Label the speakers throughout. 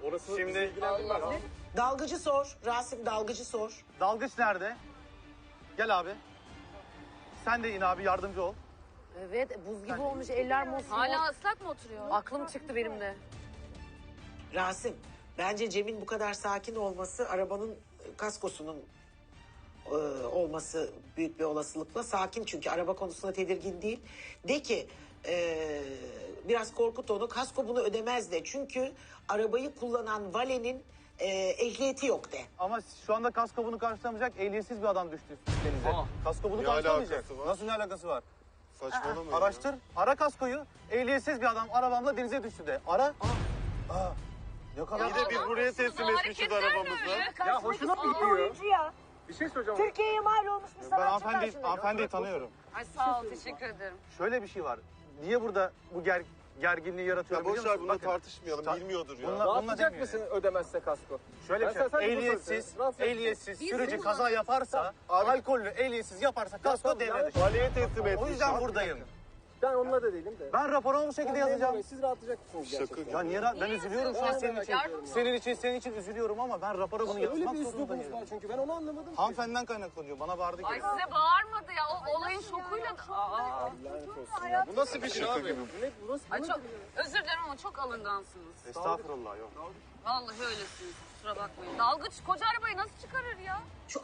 Speaker 1: Orası
Speaker 2: Şimdi
Speaker 1: ilgilendirmez.
Speaker 3: Dalgıcı sor. Rasim dalgıcı sor.
Speaker 2: dalgıç nerede? Gel abi. Sen de in abi, yardımcı ol.
Speaker 4: Evet, buz gibi olmuş, eller mosmor.
Speaker 5: Hala ıslak mı oturuyor?
Speaker 4: Aklım çıktı benim de.
Speaker 3: Rasim, bence Cem'in bu kadar sakin olması arabanın kaskosunun olması büyük bir olasılıkla sakin, çünkü araba konusunda tedirgin değil. De ki biraz korkut onu, kasko bunu ödemez de, çünkü arabayı kullanan valenin ehliyeti yok de.
Speaker 2: Ama şu anda kasko bunu karşılamayacak, ehliyetsiz bir adam düştü denize. Kasko bunu
Speaker 1: Ne
Speaker 2: karşılamayacak.
Speaker 1: alakası var?
Speaker 2: Nasıl ne alakası var?
Speaker 1: Saçmalama.
Speaker 2: Araştır, ara kaskoyu. Ehliyetsiz bir adam arabamla denize düştü de. Ara. Aa. Ne kadar...
Speaker 1: İyi de biz buraya teslim etmişiz arabamızı.
Speaker 2: Ya hoşuna mı gidiyor?
Speaker 6: Oyuncu ya.
Speaker 2: Bir şey söyleyeceğim.
Speaker 6: Türkiye'ye mal olmuş bir
Speaker 2: Ben
Speaker 6: sanatçı
Speaker 2: hanımefendiyi tanıyorum.
Speaker 5: Ay sağ ol, teşekkür ederim.
Speaker 2: Şöyle bir şey var. Niye burada bu gerginliği yaratıyor
Speaker 1: Ya
Speaker 2: biliyor
Speaker 1: boş ver,
Speaker 2: musun?
Speaker 1: bunları
Speaker 2: Bakın,
Speaker 1: tartışmayalım. Bilmiyordur ya.
Speaker 7: Rahatlayacak mısın ödemezse kasko?
Speaker 2: Şöyle bir şey. Ehliyetsiz sürücü kaza yaparsa, alkollü ehliyetsiz yaparsa kasko devre dışı.
Speaker 1: Valiye teslim etmiş.
Speaker 2: O yüzden buradayım.
Speaker 7: Ben onunla da değilim de.
Speaker 2: Ben raporumu bu şekilde yazacağım.
Speaker 7: Siz rahatlayacak mısınız gerçekten?
Speaker 1: Şaka.
Speaker 2: Ya niye ben üzülüyorum şu an senin için.
Speaker 5: Yardımcı ol.
Speaker 2: Senin için üzülüyorum ama ben rapora bunu
Speaker 7: Öyle
Speaker 2: yazmak
Speaker 7: bir üslubunuz
Speaker 2: zorundayım.
Speaker 7: var çünkü ben onu anlamadım.
Speaker 2: Hanımefendiden kaynaklanıyor. Bana bağırdı ki.
Speaker 5: Ay size bağırmadı ya. O olayın şokuyla... Aa.
Speaker 1: Bu nasıl bir şey abi?
Speaker 5: Ay çok özür dilerim ama çok alıngansınız.
Speaker 2: Estağfurullah yok.
Speaker 5: Vallahi öylesiniz. Kusura bakmayın. Dalgıç koca arabayı nasıl çıkarır ya?
Speaker 3: Şu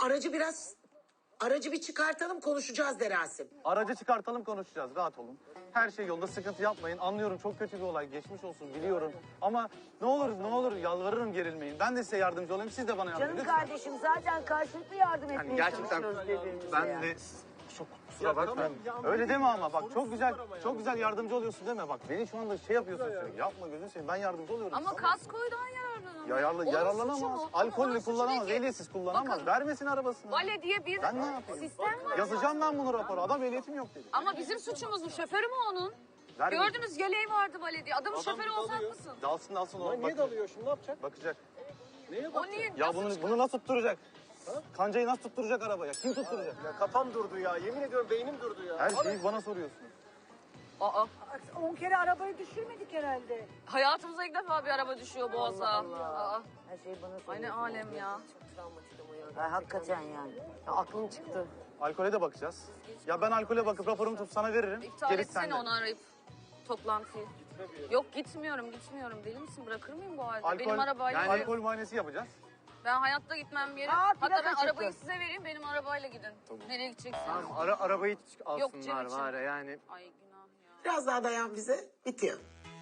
Speaker 3: aracı bir çıkartalım, konuşacağız de Rasim.
Speaker 2: Aracı çıkartalım, konuşacağız. Rahat olun. Her şey yolunda, sıkıntı yapmayın. Anlıyorum, çok kötü bir olay. Geçmiş olsun, biliyorum. Ama ne olur yalvarırım, gerilmeyin. Ben de size yardımcı olayım. Siz de bana yardımcı olun.
Speaker 6: Canım kardeşim zaten karşılıklı yardım etmeye
Speaker 2: Gerçekten
Speaker 6: çalışıyoruz birbirimize
Speaker 2: ben
Speaker 6: ya.
Speaker 2: de çok kusura bakma. Öyle deme ama bak, çok güzel yardımcı oluyorsun deme. Bak beni şu anda şey yapıyorsun sürekli. Yapma gözünü seveyim, ben yardımcı oluyorum.
Speaker 5: Ama
Speaker 2: sana.
Speaker 5: kaskoydan yararlanamaz. Onun suçu
Speaker 2: Yararlanamaz.
Speaker 5: mu?
Speaker 2: Alkollü
Speaker 5: Onun suçu
Speaker 2: kullanamaz,
Speaker 5: ne ki?
Speaker 2: ehliyetsiz kullanamaz.
Speaker 5: Bakın,
Speaker 2: Vermesin arabasını.
Speaker 5: Vale diye bir
Speaker 2: Ben ne yapayım?
Speaker 5: sistem var.
Speaker 2: Yazacağım ben bunu rapora. Adam ehliyetim yok dedi.
Speaker 5: Ama bizim suçumuz mu? Şoförü mü onun?
Speaker 2: Vermesin.
Speaker 5: Gördünüz yeleği vardı Vale diye. Adamın şoförü olsak mısın?
Speaker 2: Dalsın o.
Speaker 7: Niye
Speaker 2: Bak-
Speaker 7: dalıyor şimdi, ne yapacak?
Speaker 2: Bakacak.
Speaker 5: O niye?
Speaker 2: Ya
Speaker 5: nasıl
Speaker 2: bunu nasıl tutturacak? Kancayı nasıl tutturacak arabaya? Kim tutturacak?
Speaker 7: Ya kafam durdu ya, yemin ediyorum beynim durdu ya.
Speaker 2: Her şeyi bana soruyorsun.
Speaker 5: Aa,
Speaker 6: 10 kere arabayı düşürmedik herhalde.
Speaker 5: hayatımıza ilk defa bir araba düşüyor Boğaz'a. Aa,
Speaker 6: Her şey bana
Speaker 5: ay
Speaker 6: soruyor.
Speaker 5: ne alem ya.
Speaker 6: Ay, hakikaten yani.
Speaker 4: Ya, aklım çıktı.
Speaker 2: Alkole de bakacağız. Ya ben alkole bakıp raporumu tutup sana veririm.
Speaker 5: İptal
Speaker 2: Gerisi
Speaker 5: etsene
Speaker 2: sende.
Speaker 5: onu arayıp toplantıyı. Yok gitmiyorum. Deli misin? Bırakır mıyım bu halde? Benim arabayla...
Speaker 2: Yani alkol muayenesi yapacağız.
Speaker 5: Ben hayatta gitmem bir yere.
Speaker 6: Aa,
Speaker 5: Hatta
Speaker 6: plaka
Speaker 5: ben
Speaker 6: çıktı.
Speaker 5: arabayı size vereyim. Benim arabayla gidin. Nereye gideceksiniz?
Speaker 2: Arabayı
Speaker 5: Yok, Cem için.
Speaker 2: yani.
Speaker 5: Ay günah ya.
Speaker 3: Biraz daha dayan bize, bitiyor.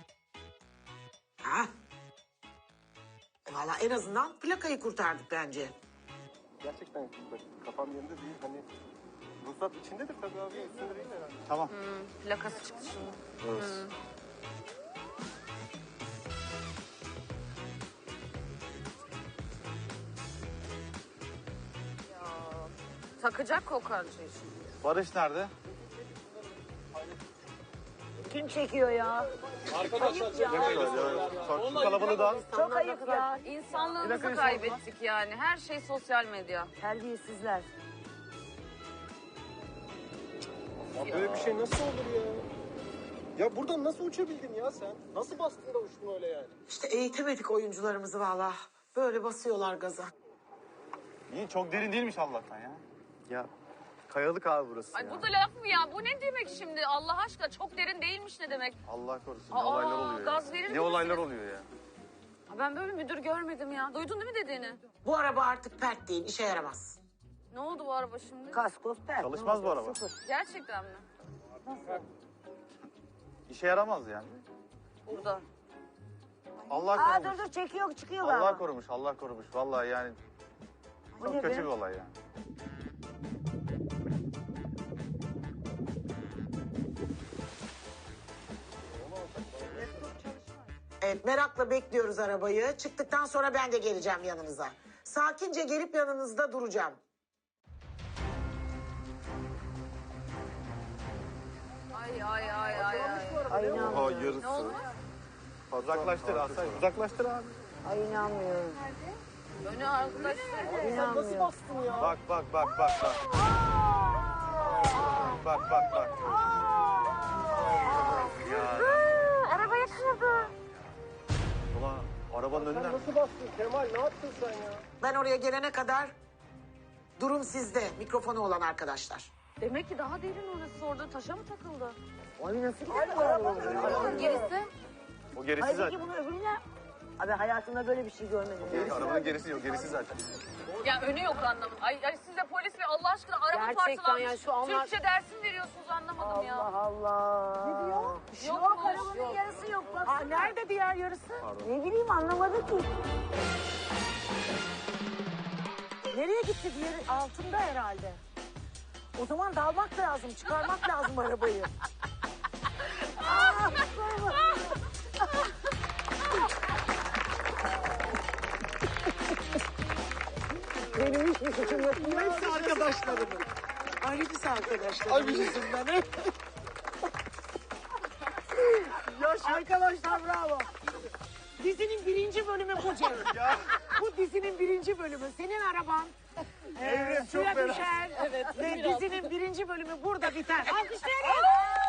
Speaker 3: Ha? Valla en azından plakayı kurtardık bence.
Speaker 7: Gerçekten bak, kafam yerinde değil, hani ruhsat içindedir tabii abi, üstünde değil herhalde.
Speaker 2: Tamam.
Speaker 5: Plakası çıktı şimdi. Takacak o karşıyı şimdi.
Speaker 2: Barış nerede?
Speaker 6: Kim çekiyor ya?
Speaker 7: Arkadaşlar
Speaker 2: Şu kalabalığı da.
Speaker 6: Çok ayıp ya.
Speaker 5: İnsanlığımızı
Speaker 2: Plakayı
Speaker 5: kaybettik yani. Her şey sosyal medya.
Speaker 6: Terbiyesizler.
Speaker 7: ya böyle bir şey nasıl olur ya? Ya buradan nasıl uçabildin ya sen? Nasıl bastın da uçtun öyle yani?
Speaker 3: İşte eğitemedik oyuncularımızı valla. Böyle basıyorlar gaza.
Speaker 2: İyi, çok derin değilmiş Allah'tan ya. Ya kayalık abi burası
Speaker 5: Ay
Speaker 2: ya.
Speaker 5: bu da laf mı ya? Bu ne demek şimdi? Allah aşkına çok derin değilmiş ne demek?
Speaker 2: Allah korusun,
Speaker 5: Aa,
Speaker 2: ne olaylar oluyor
Speaker 5: gaz
Speaker 2: ya.
Speaker 5: verir
Speaker 2: Ne
Speaker 5: misin?
Speaker 2: olaylar oluyor ya.
Speaker 5: Ha, ben böyle müdür görmedim ya. Duydun değil mi dediğini?
Speaker 3: Bu araba artık pert değil, işe yaramaz.
Speaker 5: Ne oldu bu araba şimdi?
Speaker 6: Kaskos pert.
Speaker 2: Çalışmaz bu araba.
Speaker 5: Gerçekten mi?
Speaker 2: İşe yaramaz yani.
Speaker 5: Burada.
Speaker 2: Allah
Speaker 6: Aa
Speaker 2: korumuş.
Speaker 6: dur çekiyor çıkıyor
Speaker 2: Allah
Speaker 6: galiba.
Speaker 2: korumuş, Allah korumuş. Vallahi yani
Speaker 6: Bu
Speaker 2: çok
Speaker 6: ne
Speaker 2: kötü
Speaker 6: be?
Speaker 2: bir olay yani.
Speaker 3: Evet, merakla bekliyoruz arabayı. Çıktıktan sonra ben de geleceğim yanınıza. Sakince gelip yanınızda duracağım.
Speaker 5: Ay ay ay ay ay.
Speaker 6: Ay inanmıyorum.
Speaker 1: Oha
Speaker 5: Ne
Speaker 1: yarısı.
Speaker 5: oldu?
Speaker 2: Uzaklaştır Asay, uzaklaştır abi.
Speaker 6: Ay inanmıyorum.
Speaker 5: Önü arkadaşlar.
Speaker 7: Nasıl
Speaker 6: İnanmıyorum.
Speaker 7: bastın ya?
Speaker 2: Bak. Bak.
Speaker 5: Arabaya kırdı.
Speaker 2: Ulan
Speaker 1: Arabanın önüne.
Speaker 7: Sen nasıl bastın Kemal? Ne yaptın sen ya?
Speaker 3: Ben oraya gelene kadar durum sizde. Mikrofonu olan arkadaşlar.
Speaker 5: Demek ki daha derin orası, orada taşa mı takıldı?
Speaker 6: Ay nasıl gider bu araba?
Speaker 5: Arabanın gerisi.
Speaker 1: O gerisi
Speaker 6: Hayır
Speaker 1: zaten.
Speaker 6: ki bunu öbürüne... Abi hayatımda böyle bir şey görmedim.
Speaker 2: Arabanın gerisi yok, gerisi zaten.
Speaker 5: Ya önü yok anlamadım. Ay siz de polis ve Allah aşkına araba
Speaker 4: Gerçekten
Speaker 5: parçalanmış.
Speaker 4: ya, şu anlar-
Speaker 5: Türkçe dersin veriyorsunuz anlamadım ya.
Speaker 6: Allah Allah. Ne diyor?
Speaker 5: Yok mu?
Speaker 6: Arabanın yarısı yok. Bak.
Speaker 3: Aa, nerede diğer yarısı?
Speaker 6: Ne bileyim anlamadı ki. Nereye gitti diğeri? Altında herhalde. O zaman dalmak lazım, çıkarmak lazım arabayı. Benim hiçbir suçum yok.
Speaker 3: Hepsi arkadaşlarımın. Ay hepsi arkadaşlarım yüzünden.
Speaker 6: Arkadaşlar bravo. Dizinin 1. bölümü bu Cem. Bu dizinin 1. bölümü. Senin araban suya düşer. Ve dizinin 1. bölümü burada biter. Alkışlayalım.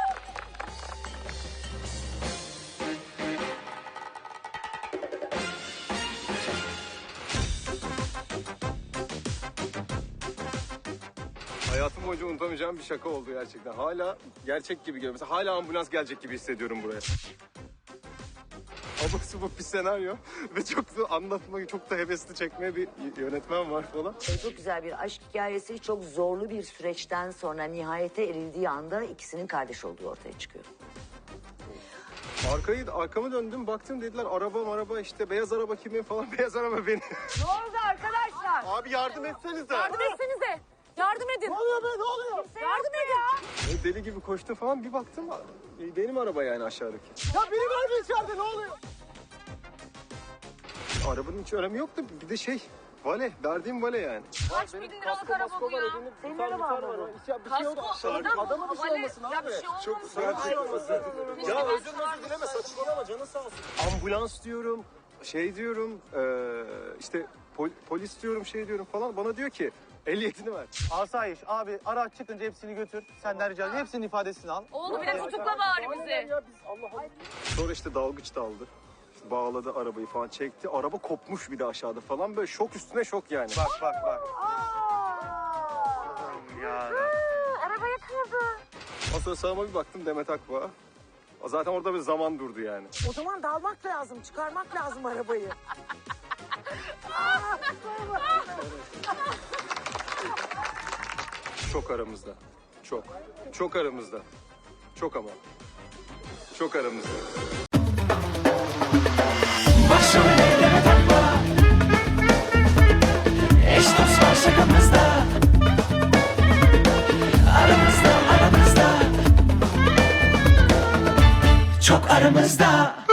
Speaker 7: Hayatım boyunca unutamayacağım bir şaka oldu gerçekten. Hala gerçek gibi geliyor. Mesela hala ambulans gelecek gibi hissediyorum buraya. Abuk subuk bir senaryo ve çok da anlatmak, çok da hevesli çekmeye bir yönetmen var falan.
Speaker 6: Çok güzel bir aşk hikayesi. Çok zorlu bir süreçten sonra nihayete erildiği anda ikisinin kardeş olduğu ortaya çıkıyor.
Speaker 7: Arkamı döndüm, baktım dediler araba işte beyaz araba kimin falan, beyaz araba benim.
Speaker 6: Ne oldu arkadaşlar?
Speaker 1: Abi yardım etsenize.
Speaker 5: Yardım etsenize. Yardım edin.
Speaker 6: Ne oluyor be ne oluyor?
Speaker 5: Yardım edin.
Speaker 7: Deli gibi koştum falan, bir baktım benim araba yani aşağıdaki.
Speaker 6: Ya biri var mı içeride ne oluyor?
Speaker 7: Arabanın hiç önemi yoktu, bir de vale, verdiğim vale yani.
Speaker 5: Kaç bin liralık araba bu ya.
Speaker 6: Senin araban mı bu?
Speaker 5: Kasko. Adama bir şey olmasın abi. Ya bir şey olmasın.
Speaker 7: Ya özür dileme, saçmalama, canın sağ olsun. Ambulans diyorum, diyorum, işte polis diyorum, diyorum falan. Bana diyor ki ehliyetini ver.
Speaker 2: Asayiş abi araç çıkınca hepsini götür. Senden rica ediyorum. Hepsinin ifadesini al.
Speaker 5: Oğlum bir de tutukla bari bizi.
Speaker 7: Ya biz Allah Allah. Sonra işte dalgıç daldı. İşte bağladı arabayı falan, çekti. Araba kopmuş bir de aşağıda falan. Böyle şok üstüne şok yani.
Speaker 2: Bak.
Speaker 1: Ya.
Speaker 6: Arabaya kırdı.
Speaker 7: Ondan sonra sağıma bir baktım, Demet Akbağ. Zaten orada bir zaman durdu yani.
Speaker 6: O zaman dalmak lazım, çıkarmak lazım arabayı.
Speaker 7: Çok aramızda. Çok. Çok aramızda. Çok ama. Çok aramızda.
Speaker 8: Başrol eyleme takma. Eş dost var şakamızda. Aramızda. Çok aramızda.